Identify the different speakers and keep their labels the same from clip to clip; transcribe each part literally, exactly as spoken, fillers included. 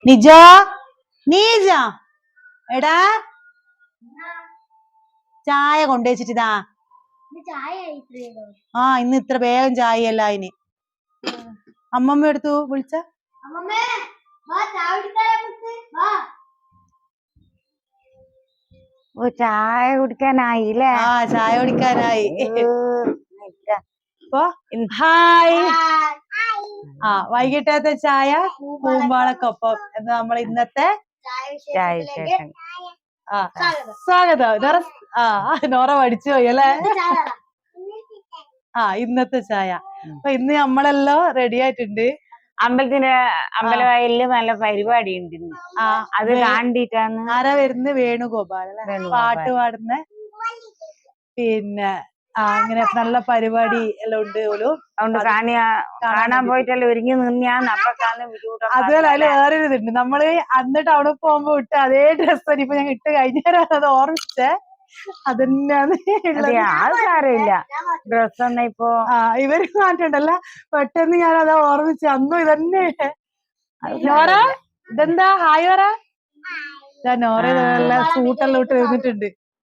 Speaker 1: നിജോ നീജ എടാ ചായ കൊണ്ടുവച്ചിട്ടാ. ആ ഇന്ന് ഇത്ര വേഗം ചായ അല്ല അതിന്. അമ്മമ്മ എടുത്തു വിളിച്ച
Speaker 2: ഓ ചായ കുടിക്കാനായില്ലേ?
Speaker 1: ആ ചായ കുടിക്കാനായി. ഹായ്. ആ വൈകിട്ടത്തെ ചായ പൂമ്പാളക്കൊപ്പം എന്ന് നമ്മൾ ഇന്നത്തെ
Speaker 2: ചായ വിശേഷം.
Speaker 1: ആ സ്വാഗതം. ആ നോറ പഠിച്ചു പോയി അല്ലേ? ആ ഇന്നത്തെ ചായ. അപ്പൊ ഇന്ന് നമ്മളെല്ലാം റെഡി ആയിട്ടുണ്ട്.
Speaker 2: അമ്പലത്തിന്റെ അമ്പലവയലില് നല്ല പരിപാടി ഉണ്ട്. ആ അത് കണ്ടിട്ടാണ്.
Speaker 1: ആരാ വരുന്നത്? വേണുഗോപാൽ അല്ലെ പാട്ട് പാടുന്ന. പിന്നെ ആ അങ്ങനെ നല്ല പരിപാടി എല്ലാം ഉണ്ട് പോലും.
Speaker 2: അതുകൊണ്ട് കാണിയാ കാണാൻ പോയിട്ടല്ലേ ഒരുങ്ങി നിന്നാന്ന് അപ്പൊക്കാണ് ബുദ്ധിമുട്ട്.
Speaker 1: അതുപോലെ അതിൽ വേറെ ഒരു ഇതുണ്ട്. നമ്മള് അന്ന് ടൗണിൽ പോകുമ്പോ ഇട്ട് അതേ ഡ്രസ്സ് ഇപ്പൊ ഞാൻ ഇട്ട് കഴിഞ്ഞാൽ അത് ഓർമ്മിച്ചേ അതന്നെയാണ്.
Speaker 2: ആൾക്കാരില്ല ഡ്രസ് ഒന്നും ഇപ്പൊ.
Speaker 1: ആ ഇവര് മാറ്റണ്ടല്ല. പെട്ടെന്ന് ഞാൻ അതാ ഓർമ്മിച്ച അന്നും ഇതന്നെ. നോറ ഇതെന്താ ഹായ് പറ. നോറ നല്ല സൂട്ടെല്ലാം ഇട്ട് എഴുന്നിട്ടുണ്ട്.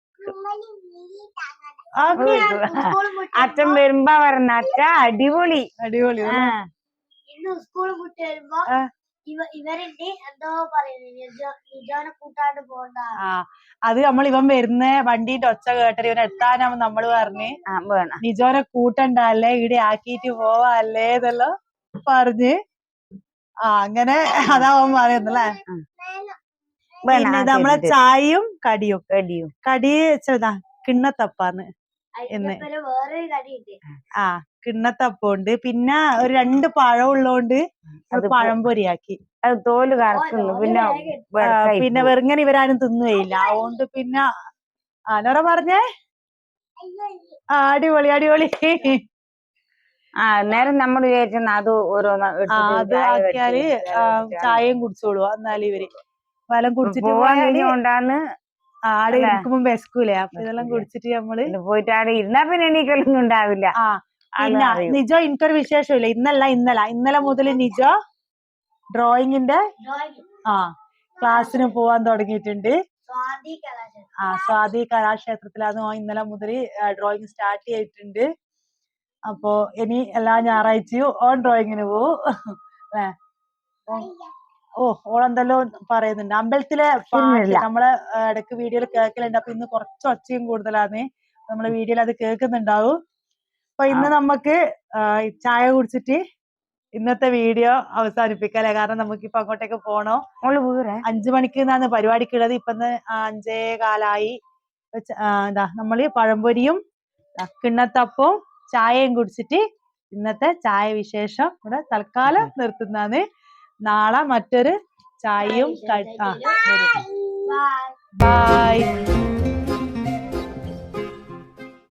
Speaker 2: അച്ഛൻ വരുമ്പോ പറഞ്ഞ അച്ഛ അടിപൊളി
Speaker 1: അടിപൊളി.
Speaker 3: ഇന്ന് സ്കൂൾ വിട്ട് വരുമ്പോ ഇവരുണ്ട് എന്തോ പറയുന്നത് കൂട്ടാണ്ട് പോണ്ട.
Speaker 1: ആ അത് നമ്മൾ ഇവൻ വരുന്ന വണ്ടീന്റെ ഒച്ച കേട്ടത് ഇവൻ എത്താനാവും നമ്മള് പറഞ്ഞ് നിജോനെ കൂട്ടണ്ടല്ലേ ഇവിടെ ആക്കിയിട്ട് പോവാല്ലേ ഇതെല്ലാം പറഞ്ഞ്. ആ അങ്ങനെ അതാവൻ പറയുന്നല്ലേ. പിന്നെ നമ്മളെ ചായയും കടിയും കടിയും കടി വെച്ചതാ കിണ്ണത്തപ്പാന്ന് എന്ന്. ആ കിണ്ണത്തപ്പം ഉണ്ട്. പിന്നെ ഒരു രണ്ട് പഴം ഉള്ളോണ്ട് പഴംപൊരിയാക്കി.
Speaker 2: അത് തോല് കറക്കുന്നു. പിന്നെ
Speaker 1: പിന്നെ വെറുങ്ങനെ ഇവരാരും തിന്നുകയില്ല. അതുകൊണ്ട് പിന്നെ ആനോറ പറഞ്ഞേ ആ അടിപൊളി അടിപൊളി.
Speaker 2: ആ നേരം നമ്മൾ വിചാരിച്ച അത് ഓരോന്ന്
Speaker 1: അത് ആക്കിയാല് ചായയും കുടിച്ചോളൂ. എന്നാലും ഇവര് ഫലം കുടിച്ചിട്ട്
Speaker 2: പോവാണ്ടാന്ന്
Speaker 1: ആടെ ഇരിക്കുമ്പോ വിശക്കൂലേ. അപ്പൊ ഇതെല്ലാം കുടിച്ചിട്ട് നമ്മള്
Speaker 2: പോയിട്ട് ആടെ ഇരുന്നാ പിന്നെ എണീക്കലൊന്നും ഉണ്ടാവില്ല.
Speaker 1: ആ പിന്നെ നിജോ എനിക്കൊരു വിശേഷമില്ല. ഇന്നല്ല ഇന്നലെ ഇന്നലെ മുതൽ നിജോ ഡ്രോയിങ്ങിന്റെ ആ ക്ലാസ്സിന് പോവാൻ തുടങ്ങിയിട്ടുണ്ട്. ആ സ്വാതി കലാക്ഷേത്രത്തിലാണ് ഇന്നലെ മുതൽ ഡ്രോയിങ് സ്റ്റാർട്ട് ചെയ്തിട്ടുണ്ട്. അപ്പൊ ഇനി എല്ലാ ഞായറാഴ്ചയും ഓൺ ഡ്രോയിങ്ങിന് പോവും അല്ലേ? ഓ ഓളെന്തെല്ലോ പറയുന്നുണ്ട്. അമ്പലത്തിലെ പാട്ട് നമ്മളെ ഇടയ്ക്ക് വീഡിയോയിൽ കേൾക്കലുണ്ട്. അപ്പൊ ഇന്ന് കുറച്ച് ഒച്ചയും കൂടുതലാണ്. നമ്മളെ വീഡിയോയിൽ അത് കേൾക്കുന്നുണ്ടാവും. അപ്പൊ ഇന്ന് നമുക്ക് ചായ കുടിച്ചിട്ട് ഇന്നത്തെ വീഡിയോ അവസാനിപ്പിക്കല്ലേ. കാരണം നമുക്കിപ്പൊ അങ്ങോട്ടേക്ക് പോണോ. അഞ്ചു മണിക്ക് നിന്നാണ് പരിപാടിക്കുള്ളത്. ഇപ്പൊ അഞ്ചേ കാലായി. എന്താ നമ്മള് പഴംപൊരിയും കിണ്ണത്തപ്പവും ചായയും കുടിച്ചിട്ട് ഇന്നത്തെ ചായ വിശേഷം ഇവിടെ തൽക്കാലം നിർത്തുന്നതാണ്. നാളെ മറ്റൊരു ചായയും. ബൈ.